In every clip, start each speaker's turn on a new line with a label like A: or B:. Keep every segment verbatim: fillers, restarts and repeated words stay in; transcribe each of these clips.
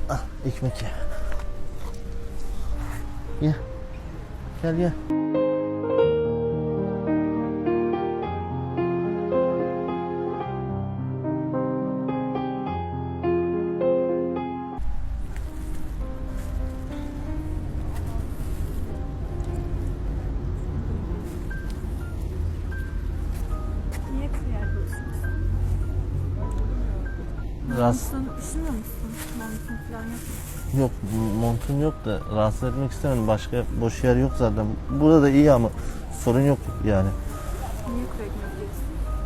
A: Ah, ekmek ye. Ye. Gel ye.
B: Niye kıyarlıyorsunuz?
A: Rahatsız...
B: Montun üşümüyor musun? Montun falan yok.
A: Yok, montum yok da rahatsız etmek istemedim. Başka boş yer yok zaten. Burada da iyi ama sorun yok yani.
B: Niye kuru ekmek yiyorsun?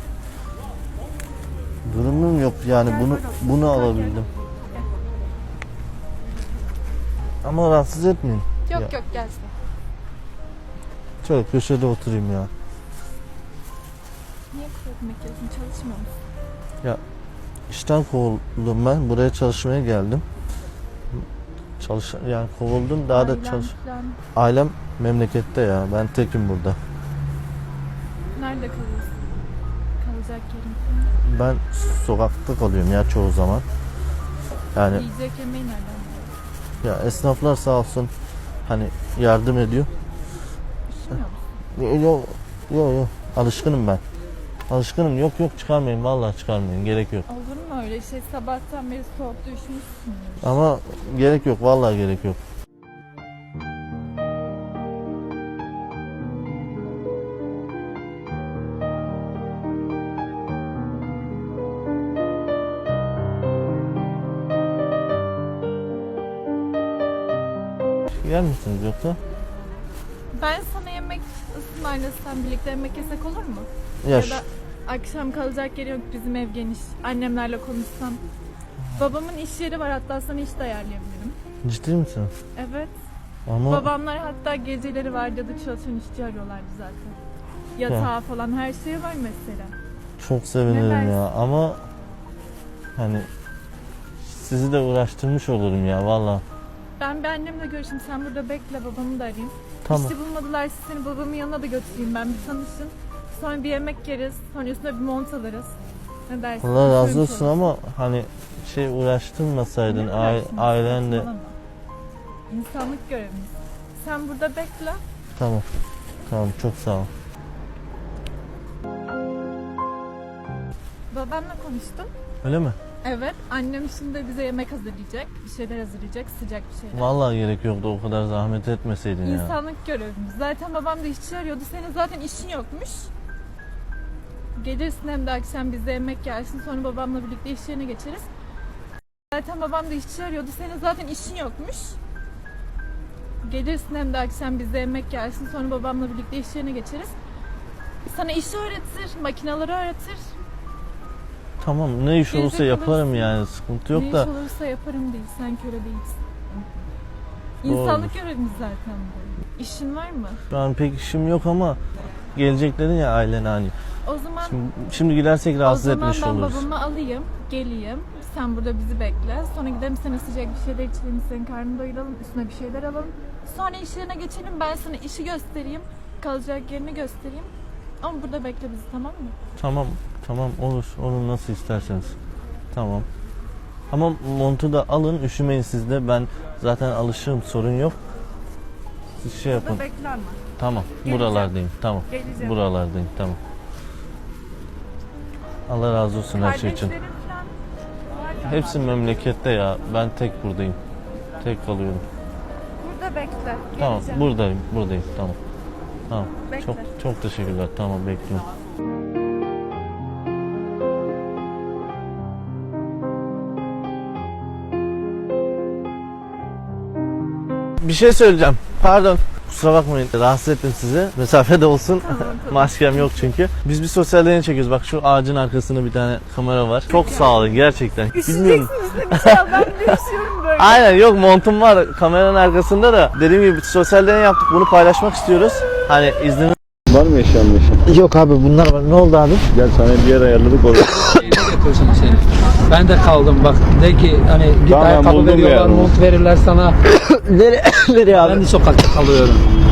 A: Durumum yok yani
B: Gel
A: bunu
B: böyle otur.
A: bunu
B: Gel,
A: alabildim.
B: gel.
A: Ama rahatsız etmeyin.
B: Yok
A: Ya.
B: yok gel sen.
A: Şöyle köşede oturayım ya.
B: Niye kuru ekmek yiyorsun? Çalışmıyor musun?
A: Ya işten kovuldum ben. Buraya çalışmaya geldim. Çalış yani kovuldum daha da
B: Ailen
A: çalış.
B: falan.
A: Ailem memlekette ya. Ben tekim burada.
B: Nerede kalıyorsun? Kalacak yerin falan.
A: Ben sokakta kalıyorum ya çoğu zaman. Yani
B: Yiyecek yemeği nereden buluyorsun?
A: ya esnaflar sağ olsun hani yardım ediyor.
B: Üşümüyor musun?
A: Yok yok yok alışkınım ben. Alışkınım yok yok çıkarmayın vallahi çıkarmayın gerek yok.
B: Olur mu öyle şey? Sabahtan beri soğukta üşümüşsün.
A: Ama gerek yok vallahi gerek yok. Yer misiniz yoksa?
B: Ben sana yemek ısmarlasam birlikte yemek yesek olur mu?
A: Ya,
B: Ya
A: şu-
B: da akşam kalacak yeri yok, bizim ev geniş. Annemlerle konuşsam. Babamın iş yeri var, hatta sana iş de ayarlayabilirim.
A: ciddi misin?
B: Evet.
A: Ama
B: Babamlar hatta geceleri vardiyada çalışan işçi arıyorlardı zaten. Yatağı falan her şey var mesela.
A: çok sevinirim
B: Ne
A: ya ama hani sizi de uğraştırmış olurum ya vallahi.
B: Ben bir annemle görüşeyim, sen burada bekle, babamı da arayayım.
A: Tamam.
B: İşte bulmadılar, seni babamın yanına da götüreyim, ben bir tanışın. Sonra bir yemek yeriz, sonra üstüne bir mont alırız. Ne dersin?
A: Allah razı
B: Düşünmüş
A: olsun
B: oluruz.
A: ama hani şey uğraştırmasaydın
B: Ne
A: aile,
B: uğraştın?
A: ailenle.
B: Saçmalama. İnsanlık görevimiz. Sen burada bekle.
A: Tamam. Tamam çok sağ ol.
B: Babamla konuştum.
A: Öyle mi?
B: Evet, annem şimdi bize yemek hazırlayacak. Bir şeyler hazırlayacak, sıcak bir şeyler.
A: Vallahi gerek yoktu o kadar zahmet etmeseydin ya.
B: İnsanlık görevimiz. Zaten babam da işçi arıyordu. Senin zaten işin yokmuş. Gelirsin hem de akşam bize yemek yersin. Sonra babamla birlikte iş yerine geçeriz. Zaten babam da işçi arıyordu. Senin zaten işin yokmuş. Gelirsin hem de akşam bize yemek yersin. Sonra babamla birlikte iş yerine geçeriz. Sana işi öğretir, makineleri öğretir.
A: Tamam ne iş
B: Gelecek
A: olursa yaparım
B: olursun.
A: yani sıkıntı yok
B: ne
A: da.
B: iş olursa yaparım değil. Sen köle değilsin.
A: Doğrudur.
B: İnsanlık görevimiz zaten bu. İşin var mı?
A: Şu an pek işim yok ama gelecek dedin ya ailene hani.
B: O zaman
A: Şimdi, şimdi gidersek rahatsız
B: o zaman
A: etmiş
B: ben
A: oluruz.
B: babamı alayım, geleyim. Sen burada bizi bekle. Sonra gidelim, sana sıcak bir şeyler içelim, senin karnını doyuralım, üstüne bir şeyler alalım. Sonra iş yerine geçelim, ben sana işi göstereyim, kalacak yerini göstereyim. Ama burada bekle bizi, tamam mı?
A: Tamam tamam olur olur nasıl isterseniz. Tamam. Ama montu da alın üşümeyin siz de ben zaten alışığım sorun yok. Siz şey yapın.
B: Burada bekle ama.
A: Tamam
B: Geleceğim.
A: buralardayım tamam.
B: Geleceğim.
A: Buralardayım tamam. Allah razı olsun her şey için.
B: Kardeşlerin falan var ya.
A: Hepsi memlekette ya ben tek buradayım. Tek kalıyorum.
B: Burada bekle.
A: Tamam
B: Geleceğim.
A: buradayım buradayım tamam. Tamam.
B: Bekle.
A: Çok çok teşekkürler. Tamam bekliyorum. Bir şey söyleyeceğim. Pardon. Kusura bakmayın. Rahatsız ettim sizi. Mesafede olsun.
B: Tamam, tamam.
A: Maskem yok çünkü. Biz bir sosyal deney çekiyoruz. Bak şu ağacın arkasında bir tane kamera var. Çok sağ olun gerçekten. Bilmiyorum.
B: Ya ben de üşüyorum böyle.
A: Aynen yok montum var kameranın arkasında da. Dediğim gibi sosyal deney yaptık. Bunu paylaşmak istiyoruz. Hani izniniz
C: Var mı eşyan meşyan?
A: yok abi bunlar var. Ne oldu abi?
C: Gel sana bir yer ayarladık orada.
D: Şeyine götürsün seni. Ben de kaldım bak. De ki hani git
C: Tamam,
D: ayakkabı
C: buldum
D: veriyorlar,
C: yani.
D: mont verirler sana.
A: Nereye, nereye abi?
D: Ben de sokakta kalıyorum.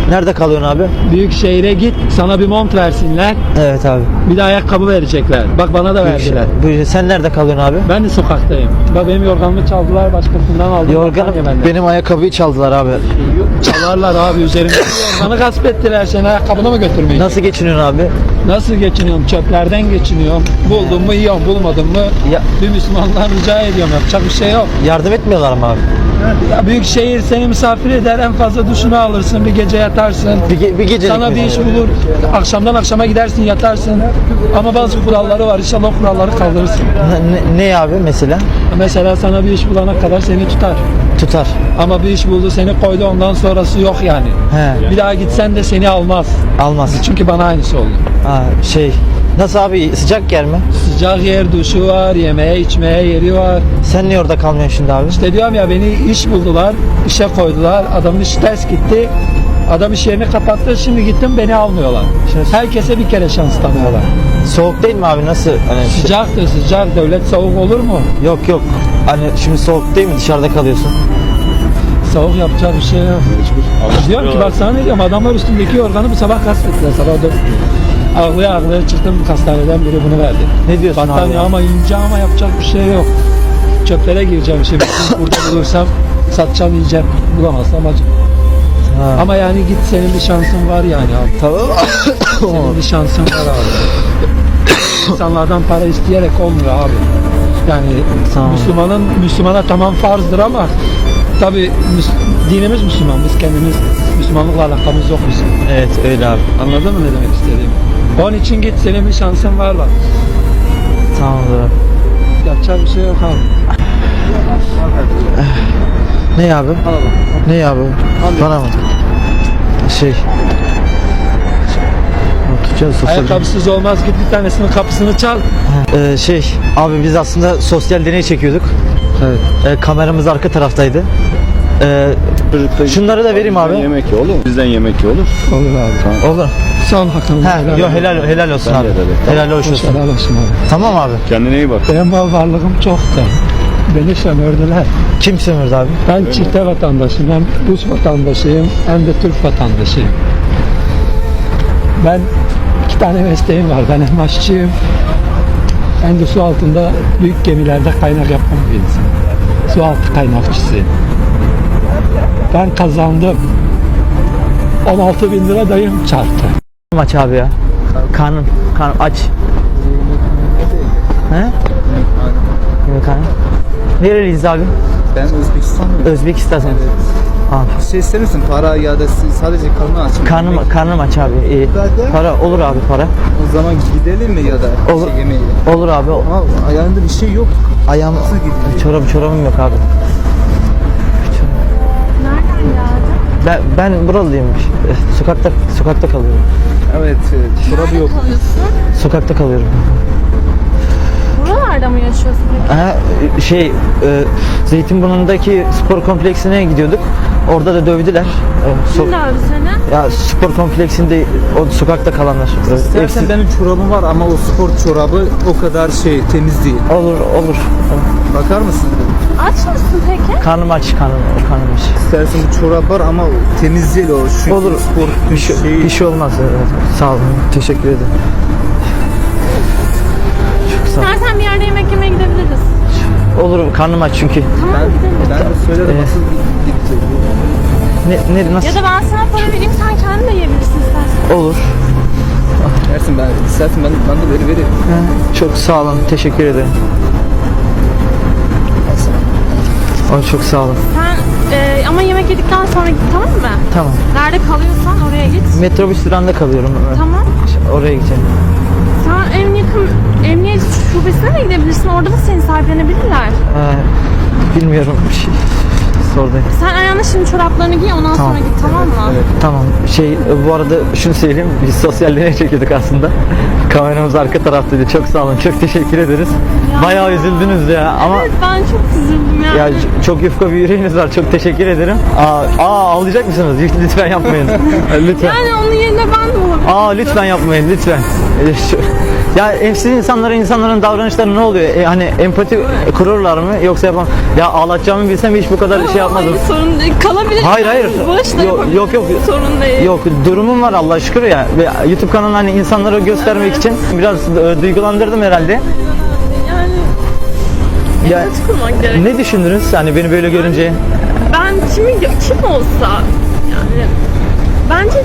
A: Nerede kalıyorsun abi?
D: Büyük şehire git, sana bir mont versinler,
A: Evet abi.
D: bir de ayakkabı verecekler. Bak bana da verdiler.
A: Buyur, sen nerede kalıyorsun abi?
D: Ben de sokaktayım. Bak benim yorganımı çaldılar, başkasından aldılar.
A: Yorganım, benim ayakkabıyı çaldılar abi.
D: Çalarlar abi, üzerimdeki yorganı gasp ettiler. Sen ayakkabını mı götürmeyin?
A: Nasıl geçiniyorsun abi?
D: Nasıl geçiniyorum? Çöplerden geçiniyorum. Buldum mu yiyorum, bulmadım mı
A: Ya-
D: bir Müslümandan rica ediyorum. Yapacak bir şey yok.
A: Yardım etmiyorlar mı abi?
D: Ya büyük şehir seni misafir eder, en fazla duşunu alırsın, bir gece yatarsın.
A: Bir, ge- bir gecelik
D: Sana bir
A: mi?
D: iş bulur, akşamdan akşama gidersin, yatarsın. Ama bazı kuralları var, inşallah o kuralları kaldırırsın.
A: Ne, ne abi mesela?
D: Mesela sana bir iş bulana kadar seni tutar.
A: Tutar.
D: Ama bir iş buldu, seni koydu, ondan sonrası yok yani.
A: He.
D: Bir daha gitsen de seni almaz.
A: Almaz.
D: Çünkü bana aynısı oldu.
A: Ha, şey. Nasıl abi, sıcak yer mi?
D: Sıcak yer, duşu var, yemeğe içmeye yeri var.
A: Sen niye orada kalmıyorsun şimdi abi?
D: İşte diyorum ya, beni iş buldular, işe koydular. Adamın işi ters gitti. Adam iş yerini kapattı. Şimdi gittim, beni almıyorlar. Herkese bir kere şans tanıyorlar.
A: Soğuk değil mi abi, nasıl? Hani şey-
D: Sıcaktır sıcak. Devlet soğuk olur mu?
A: Yok yok. Hani şimdi soğuk değil mi, dışarıda kalıyorsun?
D: Soğuk yapacak bir şey yok. Diyorum ki bak sana ne diyorum, adamlar üstündeki yorganı bu sabah gasp ettiler. Sabah dört. Ağlaya ağlaya çıktım, hastaneden biri bunu verdi.
A: Ne diyorsun abi?
D: Battaniye ama ince, ama yapacak bir şey yok. Çöplere gireceğim şimdi. Burada bulursam satacağım, yiyeceğim. Bulamazsam acı.
A: Ha.
D: Ama yani git, senin bir şansın var yani abi.
A: Tamam.
D: Senin bir şansın var abi. İnsanlardan para isteyerek olmuyor abi. Yani
A: Tamam.
D: Müslümanın Müslümana tamam farzdır ama tabi dinimiz Müslüman. Biz kendimiz Müslümanlıkla alakamız yok bizim.
A: Evet öyle abi.
D: Anladın mı ne demek istediğimi? Onun için git, senin bir şansın var bak.
A: Tamam abi.
D: Yapacak bir şey yok abi.
A: Ne abi? Ne abi? Bana mı? Şey. Tutacağız sosyal.
D: Ayakkabısız olmaz, git bir tanesinin kapısını çal.
A: Ee, şey abi, biz aslında sosyal deney çekiyorduk.
D: Evet.
A: Ee, kameramız arka taraftaydı. Ee,
C: Çocukta
A: şunları da vereyim abi.
C: Bizden yemek ye olur mu? Bizden yemek ye olur.
D: Olur abi.
A: Olur.
D: Son hakkını.
A: Ha, yo, helal helal olsun
C: Ben
A: abi.
C: de de.
A: Helal hoş olsun.
D: Helal olsun abi.
A: Tamam abi.
C: Kendine iyi bak.
D: Benim mal varlığım çoktu. Beni sömürdüler.
A: Kim sömürdü abi?
D: Ben çifte vatandaşıyım. Hem Rus vatandaşıyım hem de Türk vatandaşıyım. Ben iki tane mesleğim var. Ben hem aşçıyım hem de su altında büyük gemilerde kaynak yapan bir insanım. Su altı kaynakçısıyım. Ben kazandım. on altı bin lira dayım çarptı.
A: Aç abi ya. Karnım, karnım aç. He? Yemek karnım. Nereliyiz abi?
E: Ben Özbekistanlıyım.
A: Özbekistan. Abi.
E: Şey ister misin? Para ya da sadece karnı aç mı?
A: Karnım,
E: Yemek?
A: karnım aç abi. İyi. Para olur abi, para.
E: O zaman gidelim mi ya da
A: Olur.
E: şey yemeğe?
A: Olur abi.
E: Ama ayağında bir şey yok.
A: Ayağım,
E: Nasıl gidiyor?
A: çorabım, çorabım yok abi.
B: Nereden geldin?
A: Ben ben buralıyım. Eh, Sokakta sokakta kalıyorum.
E: Evet, evet. Çorabı yok.
B: Kalıyorsun.
A: Sokakta kalıyorum.
B: Buralarda mı yaşıyorsun peki?
A: Ha, şey, e, Zeytinburnu'ndaki spor kompleksine gidiyorduk. Orada da dövdüler. E, so-
B: Kim dövdü seni?
A: ya spor kompleksinde o sokakta kalanlar. E,
E: İstersen
A: hepsi-
E: benim çorabım var ama o spor çorabı o kadar şey temiz değil.
A: Olur olur.
E: Bakar mısın?
B: Aç mısın peki?
A: Karnım aç, karnım, karnım aç.
E: İstersen bu çorap var ama temiz değil o. Şu
A: Olur.
E: spor
A: Bir şey,
E: şeyi.
A: bir şey olmaz. Evet. Sağ olun. Teşekkür ederim. Çok sağ ol.
B: İstersen bir yerde yemek yemeye gidebiliriz.
A: Olur, karnım aç çünkü.
B: Tamam
E: Ben,
B: gidelim.
E: ben de söylerim
A: Ee,
E: nasıl gitti.
A: Ne, ne nasıl?
B: Ya da ben sana para vereyim, sen kendin de yiyebilirsin istersen.
A: Olur.
E: Dersin ben istersen ben, ben de veri veririm.
A: Çok sağ olun. Teşekkür ederim. Ay, çok sağ olun.
B: Sen e, ama yemek yedikten sonra git, tamam mı?
A: Tamam.
B: Nerede kalıyorsan oraya git.
A: Metrobüs durağında kalıyorum.
B: Tamam.
A: Oraya gideceğim.
B: Sen en yakın emniyet şubesine de gidebilirsin. Orada da seni sahiplenebilirler.
A: Ee, bilmiyorum. Bir şey sordum.
B: Sen ayağına şimdi çoraplarını giy, ondan
A: Tamam.
B: sonra git, tamam mı?
A: Tamam. Şey, bu arada şunu söyleyeyim. Biz sosyal deney çekiyorduk aslında. Kameramız arka taraftaydı. Çok sağ olun. Çok teşekkür ederiz.
B: Ya.
A: Bayağı üzüldünüz ya. Ama
B: Evet, ben çok üzüldüm yani.
A: ya ç- çok yufka bir yüreğiniz var. Çok teşekkür ederim. Aa, aa ağlayacak mısınız? Lütfen yapmayın. lütfen.
B: Yani onun yerine ben de olabilirim.
A: Aa lütfen yapmayın lütfen. Ee, şu- Ya evsiz insanlara, insanların davranışları ne oluyor? E, hani empati kururlar mı yoksa yapam? Ya ağlatacağımı bilsem hiç bu kadar şey
F: yapmadım.
G: Hayır, sorun değil. Kalabilir.
F: Hayır hayır.
G: Bağış da
F: Yok
G: yapabilirim.
F: yok yok.
G: Sorun değil.
F: Yok durumum var Allah'a şükür ya. Ve YouTube kanalını hani insanlara göstermek için biraz e, duygulandırdım herhalde.
G: Yani
F: Ya
G: net kurmak gerek.
F: ne düşündünüz hani beni böyle görünce?
G: Ben kimi kim olsa yani bence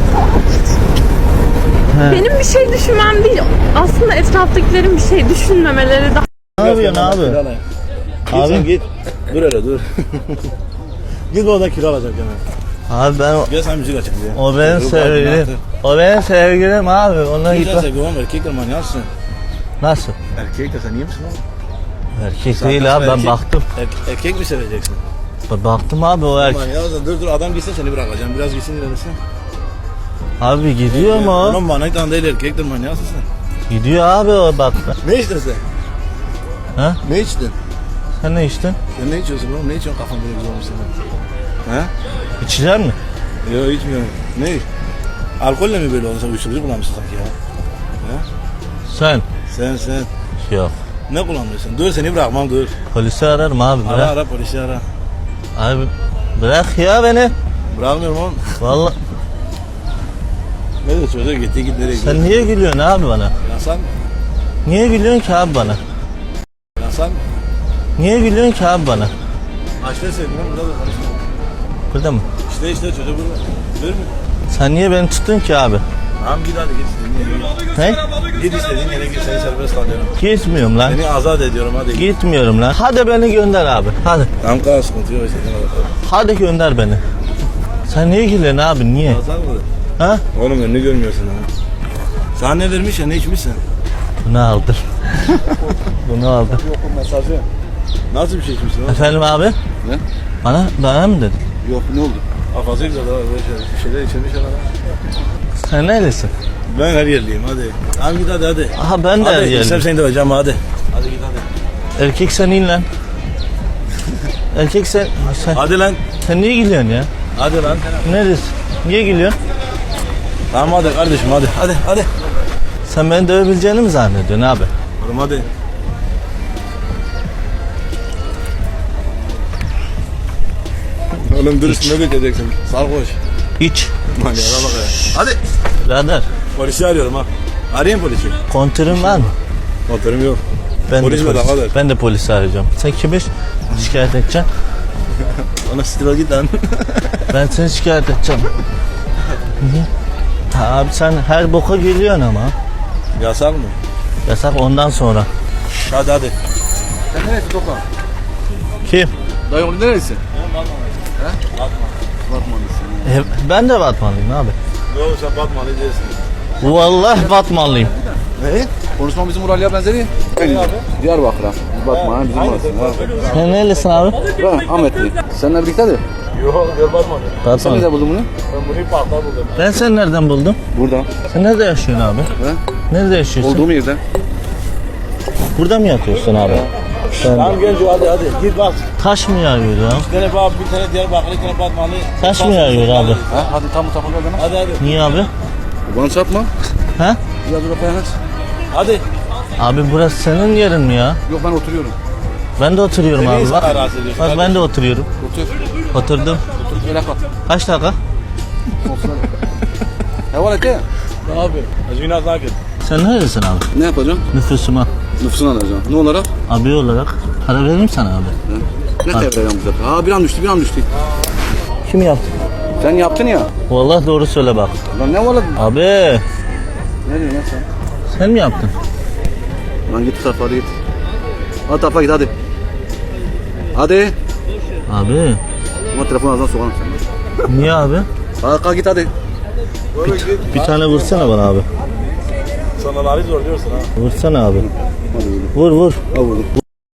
F: He.
G: benim bir şey düşünmem değil. Aslında etraftakilerin bir şey düşünmemeleri daha
A: Ne yapıyorsun abi?
C: Git sen
A: Abi,
C: git. Dur hele dur. Git orada kira alacak yani.
A: abi ben o,
C: Gel sen müzik açalım ya.
A: o benim
C: Dur,
A: sevgilim.
C: bak,
A: O benim sevgilim abi. Ona
C: Güzel
A: git.
C: sevgi var mı? Erkekler manyaksın.
A: Nasıl?
C: Erkek de sen iyi misin oğlum?
A: Erkek
C: Zaten
A: değil abi, ben
C: erkek-
A: baktım.
C: Erkek, erkek mi seveceksin?
A: Ben baktım abi o erkek.
C: Manyak dur dur adam gitsin seni bırakacağım. Biraz gitsin ilerlesin.
A: Abi gidiyor mu o?
C: Oğlum manyak tane değil erkektir manyaksın sen.
A: Gidiyor abi o bak.
C: Ne içtin sen?
A: Ha?
C: Ne içtin?
A: Sen ne içtin?
C: Sen ne içiyorsun oğlum? Ne içiyorsun kafan böyle güzel olmuş senin? Ha?
A: İçiler mi?
C: Yok içmiyorum. Ne? Alkolle mi böyle oldu? Sen uyuşturucu kullanmışsın sanki ya. Ha?
A: Sen?
C: Sen sen.
A: Yok.
C: Ne kullanıyorsun? Dur seni bırakmam dur.
A: Polisi ararım abi,
C: Ara
A: bırak.
C: ara polisi ara.
A: Abi bırak ya beni.
C: Bırakmıyorum oğlum.
A: Vallahi
C: Ne diyor çocuğa gitti git nereye gidiyor?
A: sen niye gülüyorsun abi bana?
C: Yasan mı?
A: Niye gülüyorsun ki abi bana?
C: Yasan mı?
A: Niye gülüyorsun ki abi bana?
C: Açta sevdim lan burada da konuşma.
A: Burada mı?
C: İşte işte çocuğu burada. Dur mu?
A: Sen niye beni tuttun ki abi?
C: Tamam git hadi git istediğin yere
A: Ne?
C: git. Git istediğin yere git seni serbest kalıyorum.
A: Gitmiyorum lan.
C: Seni azat ediyorum hadi git.
A: Gitmiyorum lan. Hadi beni gönder abi. Hadi.
C: Tamam kadar sıkıntı yok istediğin kadar.
A: Hadi gönder beni. Sen niye gülüyorsun abi, niye?
C: Azat mı?
A: Ha?
C: Oğlum önünü görmüyorsun ha. Sana ne vermiş ya ne içmişsin?
A: Bunu aldım. Bunu aldım.
C: Yok o mesajı. Nasıl bir şey içmişsin oğlum?
A: Efendim abi?
C: Ne?
A: Bana, bana mı dedin?
C: Yok ne oldu? Kafası güzel daha böyle şeyler, bir şeyler içirmiş adam.
A: Sen neredesin?
C: Ben her yerliyim hadi. Tamam git hadi hadi.
A: Aha ben de
C: Hadi
A: geldim.
C: istem seni de hocam hadi. Hadi git hadi.
A: Erkek sen in lan. Erkek sen, sen,
C: Hadi lan.
A: sen niye gülüyorsun ya?
C: Hadi lan.
A: Neredesin? Niye gülüyorsun?
C: Tamam hadi kardeşim hadi. Hadi hadi.
A: Sen beni dövebileceğini mi zannediyorsun abi?
C: Oğlum hadi. Oğlum dur üstüne dökeceksin. Sarhoş.
A: Hiç.
C: Manyağa bak ya. Hadi.
A: Birader,
C: Polisi arıyorum ha. Arayayım polisi.
A: kontörün var mı?
C: Motorum yok.
A: Ben
C: Polis
A: de
C: mi
A: polis,
C: daha kadar?
A: ben de polisi arayacağım. Sen kimi şikayet edeceksin?
C: Ona stil git lan.
A: Ben seni şikayet edeceğim. Niye? Ha, abi sen her boka geliyorsun ama.
C: Yasak mı?
A: Yasak ondan sonra.
C: Hadi hadi. Sen neresi Tokan?
A: Kim?
C: Dayı onu neresi? Ben Batmanlıyım. He? Batmanlısın.
A: E, ben de Batmanlıyım abi.
C: Yok sen Batmanlı değilsin.
A: Vallahi Batmanlıyım.
C: Ne?
H: Konuşma bizim Uralya benzeri. Diyarbakır'a. Bakma bizim orası.
A: Sen nerelisin abi?
H: Ben Ahmetli. Seninle birliktedir.
C: Yok gör Batmanlı.
H: Sen
A: Batman.
H: nerede buldun bunu?
C: Ben bunu parkta buldum.
A: Ben seni nereden buldum?
H: Burada.
A: Sen nerede yaşıyorsun abi?
H: He?
A: Nerede yaşıyorsun?
H: Olduğum yerde.
A: Burada mı yatıyorsun abi? Sen
C: Tamam gel hadi hadi git bak.
A: taş mı yağıyor ya?
C: Bir tane bak bir tane Diyarbakırlı bir tane Batmanlı.
A: Taş mı yağıyor abi?
H: Ha? Hadi tam bu tarafa gel bana.
C: Hadi hadi.
A: Niye abi?
H: Bana çarpma.
A: Ha?
H: Biraz dur aç.
C: Hadi.
A: Abi burası senin yerin mi ya?
H: Yok ben oturuyorum.
A: Ben de oturuyorum
C: Beni
A: abi
C: sana
A: bak.
C: rahatsız ediyorsun
A: Bak ben de oturuyorum.
H: Otur.
A: Oturdum.
H: Otur. Öyle kal.
A: Kaç dakika?
H: Heval et ya.
C: Abi. Azmina sakin.
A: Sen neredesin abi?
H: Ne yapacağım?
A: Nüfusuma.
H: Nüfusunu alacağım. Ne olarak?
A: Abi olarak para veririm sana abi.
H: Ne çevireceğim bu sefer? Ha bir an düştü bir an düştü.
A: Kim yaptı?
H: Sen yaptın ya.
A: Vallahi doğru söyle bak.
H: Lan ne var?
A: Abi
H: Ne diyorsun lan sen?
A: sen mi yaptın?
H: Lan git bu tarafa hadi git. Hadi tarafa git hadi. Hadi.
A: Abi
H: Ama telefonu ağzına sokarım seni.
A: niye abi?
H: Hadi kalk git hadi.
A: Bir tane vursana bana abi.
C: Sana lari zor diyorsun ha.
A: Vursana abi. Vur vur.
H: Al vurdum.